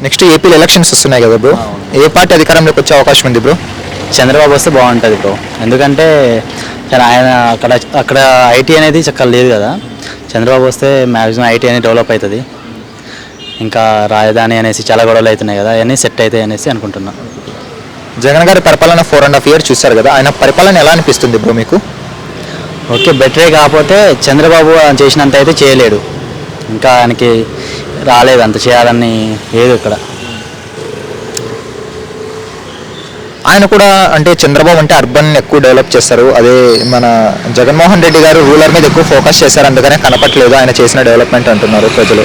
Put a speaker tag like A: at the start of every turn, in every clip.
A: Next ఏపీలో elections వస్తున్నాయి కదా బ్రో, ఏ పార్టీ అధికారంలోకి వచ్చే అవకాశం ఉంది బ్రో?
B: చంద్రబాబు వస్తే బాగుంటుంది బ్రో. ఎందుకంటే ఆయన అక్కడ అక్కడ ఐటీ అనేది చక్కగా లేదు కదా. చంద్రబాబు వస్తే మ్యాక్సిమం ఐటీ అనేది డెవలప్ అవుతుంది. ఇంకా రాజధాని అనేసి చాలా గొడవలు అవుతున్నాయి కదా, అవన్నీ సెట్ అవుతాయి అనేసి అనుకుంటున్నాను.
A: జగన్ గారి పరిపాలన 4.5 years చూశారు కదా, ఆయన పరిపాలన ఎలా అనిపిస్తుంది బ్రో మీకు?
B: ఓకే, బెటరే. కాకపోతే చంద్రబాబు చేసినంత అయితే చేయలేడు. ఇంకా ఆయనకి రాలేదు అంత చేయాలని లేదు ఇక్కడ.
A: ఆయన కూడా అంటే చంద్రబాబు అంటే అర్బన్ ఎక్కువ డెవలప్ చేస్తారు, అదే మన జగన్మోహన్ రెడ్డి గారు రూరల్ మీద ఎక్కువ ఫోకస్ చేశారు, అందుకనే కనపట్లేదు ఆయన చేసిన డెవలప్మెంట్ అంటున్నారు ప్రజలు.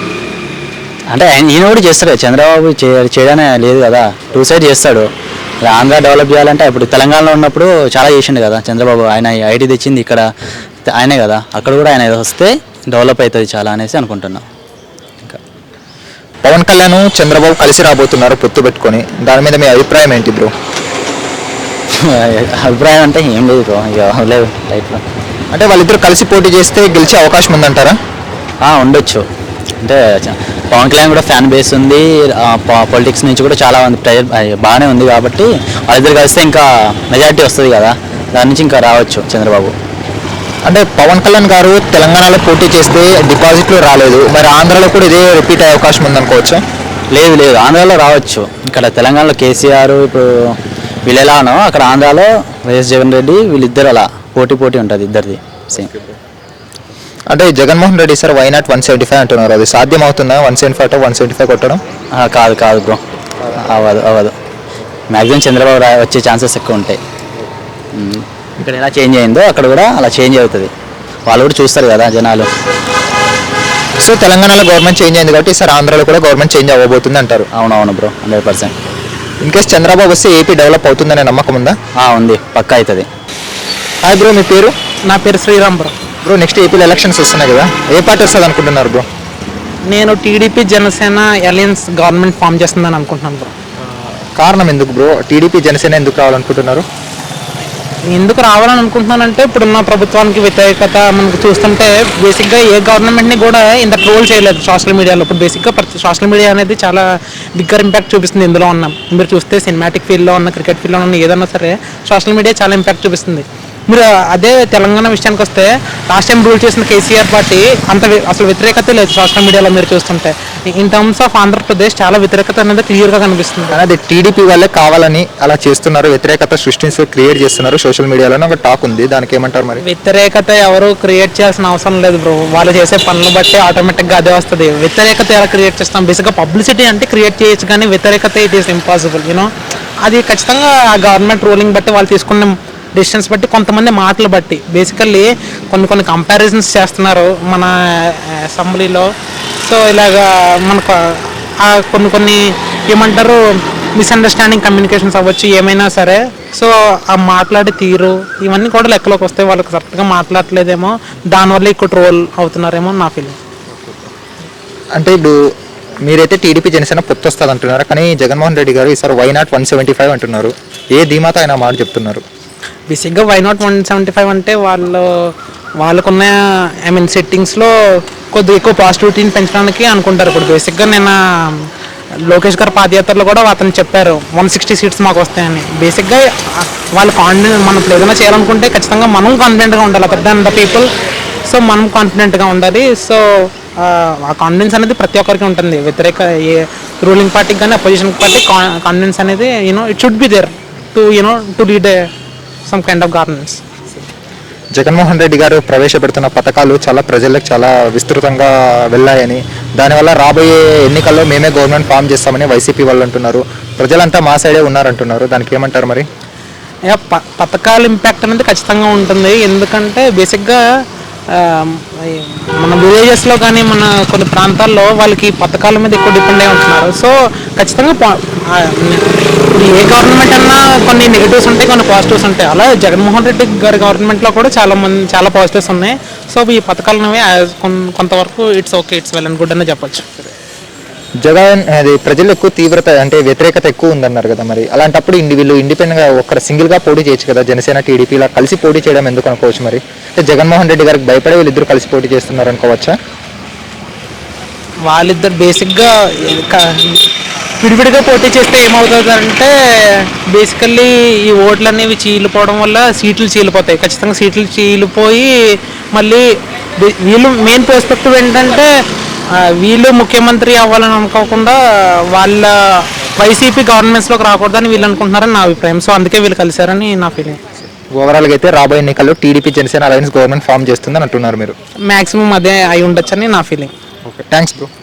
B: అంటే ఈయన కూడా చేస్తాడు, చంద్రబాబు చేయడానే లేదు కదా, 2 sides చేస్తాడు. ఆంధ్ర డెవలప్ చేయాలంటే ఇప్పుడు తెలంగాణలో ఉన్నప్పుడు చాలా చేసిండు కదా చంద్రబాబు. ఆయన ఐటీ తెచ్చింది ఇక్కడ ఆయనే కదా, అక్కడ కూడా ఆయన వస్తే డెవలప్ అవుతుంది చాలా అనేసి అనుకుంటున్నాం. ఇంకా
A: పవన్ కళ్యాణ్ చంద్రబాబు కలిసి రాబోతున్నారు పొత్తు పెట్టుకొని, దాని మీద మీ అభిప్రాయం ఏంటి బ్రో?
B: అభిప్రాయం అంటే ఏం లేదు బ్రో, ఇక లేదు లైఫ్లో.
A: అంటే వాళ్ళిద్దరు కలిసి పోటీ చేస్తే గెలిచే అవకాశం ఉందంటారా?
B: ఉండొచ్చు. అంటే పవన్ కళ్యాణ్ కూడా ఫ్యాన్ బేస్ ఉంది, పొలిటిక్స్ నుంచి కూడా చాలా మంది ప్రెజర్ బాగానే ఉంది కాబట్టి వాళ్ళిద్దరు కలిస్తే ఇంకా మెజారిటీ వస్తుంది కదా, దాని నుంచి ఇంకా రావచ్చు చంద్రబాబు.
A: అంటే పవన్ కళ్యాణ్ గారు తెలంగాణలో పోటీ చేస్తే డిపాజిట్లు రాలేదు, మరి ఆంధ్రాలో కూడా ఇదే రిపీట్ అయ్యే అవకాశం ఉందనుకోవచ్చు?
B: లేదు లేదు, ఆంధ్రాలో రావచ్చు. ఇక్కడ తెలంగాణలో కేసీఆర్ ఇప్పుడు వీళ్ళు ఎలానో అక్కడ ఆంధ్రాలో వైఎస్ జగన్ రెడ్డి వీళ్ళిద్దరు అలా పోటీ ఉంటుంది ఇద్దరిది సేమ్.
A: అంటే Jaganmohan Reddy sir why not 175 అంటున్నారు, అది సాధ్యం అవుతుందా 175 175 కొట్టడం?
B: కాదు బ్రో, అవ్వదు. మ్యాక్సిమం చంద్రబాబు వచ్చే ఛాన్సెస్ ఎక్కువ ఉంటాయి. ఇక్కడ ఎలా చేంజ్ అయిందో అక్కడ కూడా అలా చేంజ్ అవుతుంది, వాళ్ళు కూడా చూస్తారు కదా జనాలు.
A: సో తెలంగాణలో గవర్నమెంట్ చేంజ్ అయింది కాబట్టి సార్ ఆంధ్రాలో కూడా గవర్నమెంట్ చేంజ్ అవ్వబోతుంది అంటారు?
B: అవునవును బ్రో, 100%.
A: ఇన్ కేస్ చంద్రబాబు వస్తే ఏపీ డెవలప్ అవుతుందనే నమ్మకం ఉందా?
B: ఉంది, పక్కా అవుతుంది.
A: హాయ్ బ్రో, మీ పేరు?
C: నా పేరు శ్రీరామ్ బ్రో.
A: బ్రో నెక్స్ట్ ఏపీలో ఎలక్షన్స్ వస్తున్నాయి కదా, ఏ పార్టీ వస్తుంది అనుకుంటున్నారు బ్రో?
C: నేను TDP Janasena alliance government form చేస్తుందని అనుకుంటున్నాను బ్రో.
A: కారణం ఎందుకు బ్రో? టీడీపీ జనసేన ఎందుకు రావాలనుకుంటున్నారు?
C: ఎందుకు రావాలని అనుకుంటున్నానంటే ఇప్పుడున్న ప్రభుత్వానికి వ్యతిరేకత మనకు చూస్తుంటే బేసిక్గా ఏ గవర్నమెంట్ని కూడా ఇంత ట్రోల్ చేయలేదు సోషల్ మీడియాలో. ఇప్పుడు బేసిక్గా సోషల్ మీడియా అనేది చాలా బిగ్గర్ ఇంపాక్ట్ చూపిస్తుంది. ఇందులో ఉన్నాం మీరు చూస్తే సినిమాటిక్ ఫీల్డ్లో ఉన్న, క్రికెట్ ఫీల్డ్లో ఉన్న ఏదన్నా సరే సోషల్ మీడియా చాలా ఇంపాక్ట్ చూపిస్తుంది. మీరు అదే తెలంగాణ విషయానికి వస్తే లాస్ట్ టైం రూల్ చేసిన కేసీఆర్ పార్టీ అంత అసలు వ్యతిరేకత లేదు సోషల్ మీడియాలో మీరు చూస్తుంటే. ఇన్ టర్మ్స్ ఆఫ్ ఆంధ్రప్రదేశ్ చాలా వ్యతిరేకత అనేది క్లియర్గా కనిపిస్తుంది.
A: అదే టీడీపీ వాళ్ళే కావాలని అలా చేస్తున్నారు, వ్యతిరేకత సృష్టించి క్రియేట్ చేస్తున్నారు సోషల్ మీడియాలో ఒక టాక్ ఉంది, దానికి ఏమంటారు మరి?
C: వ్యతిరేకత ఎవరు క్రియేట్ చేయాల్సిన అవసరం లేదు బ్రో, వాళ్ళు చేసే పనులు బట్టి ఆటోమేటిక్గా అదే వస్తుంది. వ్యతిరేకత ఎలా క్రియేట్ చేస్తాం? బేసిక్గా పబ్లిసిటీ అంటే క్రియేట్ చేయొచ్చు, కానీ వ్యతిరేకత ఇట్ ఈస్ ఇంపాసిబుల్. అది ఖచ్చితంగా ఆ గవర్నమెంట్ రూలింగ్ బట్టి వాళ్ళు తీసుకున్న డిసిషన్స్ బట్టి కొంతమంది మాటలు బట్టి బేసికల్లీ కొన్ని కంపారిజన్స్ చేస్తున్నారు మన అసెంబ్లీలో. సో ఇలాగా మనకు కొన్ని ఏమంటారు మిస్అండర్స్టాండింగ్ కమ్యూనికేషన్స్ అవ్వచ్చు ఏమైనా సరే. సో ఆ మాట్లాడే తీరు ఇవన్నీ కూడా లెక్కలోకి వస్తే వాళ్ళకి కరెక్ట్గా మాట్లాడలేదేమో, దానివల్ల ఎక్కువ ట్రోల్ అవుతున్నారేమో నా ఫీలింగ్.
A: అంటే ఇప్పుడు మీరైతే టీడీపీ జనసేన పొత్తు వస్తుంది అంటున్నారు, కానీ జగన్మోహన్ రెడ్డి గారు ఈసారి వై నాట్ 175 అంటున్నారు, ఏ ధీమాతో ఆయన మాట చెప్తున్నారు?
C: బేసిక్గా వై నాట్ 175 అంటే వాళ్ళకున్న సెట్టింగ్స్లో కొద్దిగా ఎక్కువ పాజిటివిటీని పెంచడానికి అనుకుంటారు. ఇప్పుడు బేసిక్గా నేను లోకేష్ గారు పాదయాత్రలో కూడా అతను చెప్పారు 160 seats మాకు వస్తాయని. బేసిక్గా వాళ్ళు కాన్ఫిడెంట్, మనం ఏదైనా చేయాలనుకుంటే ఖచ్చితంగా మనం కాన్ఫిడెంట్గా ఉండాలి other than the people. So మనం కాన్ఫిడెంట్గా ఉండాలి. సో ఆ కాన్ఫిడెన్స్ అనేది ప్రతి ఒక్కరికి ఉంటుంది, వ్యతిరేక ఏ రూలింగ్ పార్టీకి కానీ అపోజిషన్ పార్టీ కాన్ఫిడెన్స్ అనేది it should be there to lead some kind of governance.
A: Jaganmohan Reddy గారు ప్రవేశపెడుతున్న పథకాలు చాలా ప్రజలకు చాలా విస్తృతంగా వెళ్ళాయని, దానివల్ల రాబోయే ఎన్నికల్లో మేమే గవర్నమెంట్ ఫామ్ చేస్తామని వైసీపీ వాళ్ళు అంటున్నారు, ప్రజలంతా మా సైడే ఉన్నారంటున్నారు, దానికి ఏమంటారు మరి?
C: పథకాల ఇంపాక్ట్ అనేది ఖచ్చితంగా ఉంటుంది. ఎందుకంటే బేసిక్గా మన విలేజెస్లో కానీ మన కొన్ని ప్రాంతాల్లో వాళ్ళకి పథకాల మీద ఎక్కువ డిపెండ్ అయి ఉంటున్నారు. సో ఖచ్చితంగా ఏ గవర్నమెంట్ అన్నా కొన్ని నెగిటివ్స్ ఉంటాయి, కొన్ని పాజిటివ్స్ ఉంటాయి. అలా జగన్మోహన్ రెడ్డి గారి గవర్నమెంట్లో కూడా చాలా పాజిటివ్స్ ఉన్నాయి. సో ఈ పథకాలు అనేవి కొంతవరకు it's okay, it's well and good అని చెప్పొచ్చు.
A: జగన్ అది ప్రజలు ఎక్కువ తీవ్రత అంటే వ్యతిరేకత ఎక్కువ ఉందన్నారు కదా, మరి అలాంటప్పుడు వీళ్ళు ఇండిపెండెంట్గా ఒక్కడ సింగిల్గా పోటీ చేయొచ్చు కదా, జనసేన టీడీపీ ఇలా కలిసి పోటీ చేయడం ఎందుకు అనుకోవచ్చు మరి? అంటే జగన్మోహన్ రెడ్డి గారికి భయపడే వీళ్ళిద్దరు కలిసి పోటీ చేస్తున్నారు అనుకోవచ్చా?
C: వాళ్ళిద్దరు బేసిక్గా విడివిడిగా పోటీ చేస్తే ఏమవుతుంది అంటే బేసికల్లీ ఈ ఓట్లు అనేవి చీలిపోవడం వల్ల సీట్లు చీలిపోతాయి, ఖచ్చితంగా సీట్లు చీలిపోయి మళ్ళీ వీళ్ళు మెయిన్ పర్స్పెక్టివ్ ఏంటంటే వీళ్ళు ముఖ్యమంత్రి అవ్వాలని అనుకోకుండా వాళ్ళ వైసీపీ గవర్నమెంట్స్లోకి రాకూడదని వీళ్ళు అనుకుంటున్నారని నా అభిప్రాయం. సో అందుకే వీళ్ళు కలిశారని నా ఫీలింగ్.
A: ఓవరాల్గా అయితే రాబోయే ఎన్నికల్లో TDP Janasena alliance government form చేస్తుందని అంటున్నారు మీరు.
C: మ్యాక్సిమం అదే అయి ఉండొచ్చని నా ఫీలింగ్.
A: Okay, thanks bro.